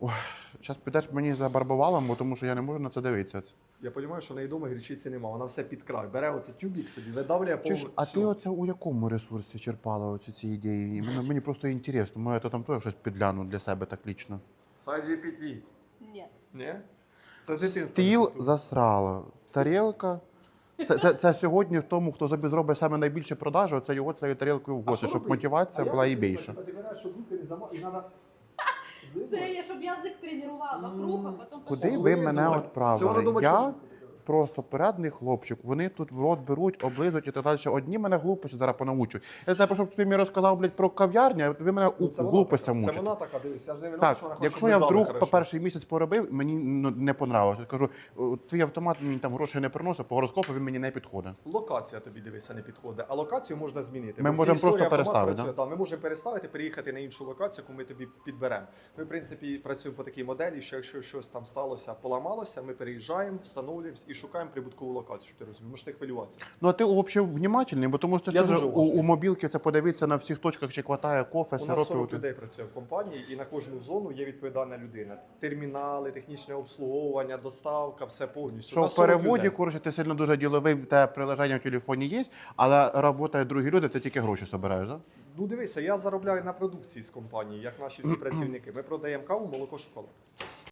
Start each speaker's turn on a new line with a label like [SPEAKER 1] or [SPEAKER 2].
[SPEAKER 1] Зараз підеш мені за барбовалом, тому що я не можу на це дивитися.
[SPEAKER 2] Я розумію, що в неї вдома гірчиці нема, вона все під край. Бере оце тюбік собі, видавлює повністю.
[SPEAKER 1] А ти оце у якому ресурсі черпала оці ці ідеї? Мені просто інтересно. Може, я там теж щось підгляну для себе так лічно.
[SPEAKER 2] Сайт GPT.
[SPEAKER 3] Ні.
[SPEAKER 2] Ні? Це з дитинства.
[SPEAKER 1] Стіл
[SPEAKER 2] інститут.
[SPEAKER 1] засрала. Тарілка. Це сьогодні тому, хто собі зробить саме найбільше продажу, це його цією тарілкою в
[SPEAKER 2] А
[SPEAKER 1] гості,
[SPEAKER 2] що
[SPEAKER 1] щоб
[SPEAKER 2] робити?
[SPEAKER 1] мотивація
[SPEAKER 2] А
[SPEAKER 1] була і
[SPEAKER 2] як
[SPEAKER 1] більше.
[SPEAKER 2] Ти вибираєш, щоб руки не зама... і треба...
[SPEAKER 3] Це я, щоб язик тренував вокруг, а потім
[SPEAKER 1] Куди
[SPEAKER 3] пішов.
[SPEAKER 1] ви мене
[SPEAKER 2] Це
[SPEAKER 1] відправили?
[SPEAKER 2] вона думає,
[SPEAKER 1] Я
[SPEAKER 2] що-
[SPEAKER 1] просто порядний хлопчик. Вони тут в рот беруть, облизують і так далі. Одні мене глупості зараз понаучують. Я знаю, щоб ти мені розказав, блядь, про кав'ярню, а ви мене
[SPEAKER 2] Ну, це вона
[SPEAKER 1] глупостям
[SPEAKER 2] така. Це
[SPEAKER 1] мучите.
[SPEAKER 2] вона така, дивись, я ж не винна,
[SPEAKER 1] Так,
[SPEAKER 2] що вона хоче,
[SPEAKER 1] якщо
[SPEAKER 2] щоб
[SPEAKER 1] я
[SPEAKER 2] ми
[SPEAKER 1] вдруг
[SPEAKER 2] зали
[SPEAKER 1] по
[SPEAKER 2] хорошо.
[SPEAKER 1] перший місяць поробив, мені не понравилось. Я кажу, твій автомат мені там грошей не приносить, по гороскопу він мені не підходить.
[SPEAKER 2] Локація тобі, дивися, не підходить, а локацію можна змінити.
[SPEAKER 1] Ми
[SPEAKER 2] Бо в
[SPEAKER 1] можемо
[SPEAKER 2] цій історії
[SPEAKER 1] просто
[SPEAKER 2] автомат
[SPEAKER 1] переставити,
[SPEAKER 2] працює. Да? Ми можемо переставити, переїхати на іншу локацію, яку ми тобі підберемо. Ми, в принципі, працюємо по такій моделі, що якщо щось там сталося, поламалося, ми переїжджаємо, встановлюємо і шукаємо прибуткову локацію, щоб ти розумієш. Можеш не хвилюватися.
[SPEAKER 1] Ну а ти взагалі внимательний, бо тому що
[SPEAKER 2] Я
[SPEAKER 1] ти ж
[SPEAKER 2] дуже
[SPEAKER 1] у
[SPEAKER 2] уважний.
[SPEAKER 1] мобілки це подивитися на всіх точках, чи хватає кофе,
[SPEAKER 2] У нас
[SPEAKER 1] сиропів.
[SPEAKER 2] 40 людей працює в компанії, і на кожну зону є відповідальна людина. Термінали, технічне обслуговування, доставка, все повністю. У
[SPEAKER 1] Що
[SPEAKER 2] нас
[SPEAKER 1] в
[SPEAKER 2] 40
[SPEAKER 1] переводі,
[SPEAKER 2] людей.
[SPEAKER 1] коротше, ти сильно дуже діловий, в тебе приложення в телефоні є, але працюють другі люди, ти тільки гроші збираєш, так?
[SPEAKER 2] Ну дивися, я заробляю на продукції з компанії, як наші всі працівники. Ми продаємо каву, молоко, шоколад.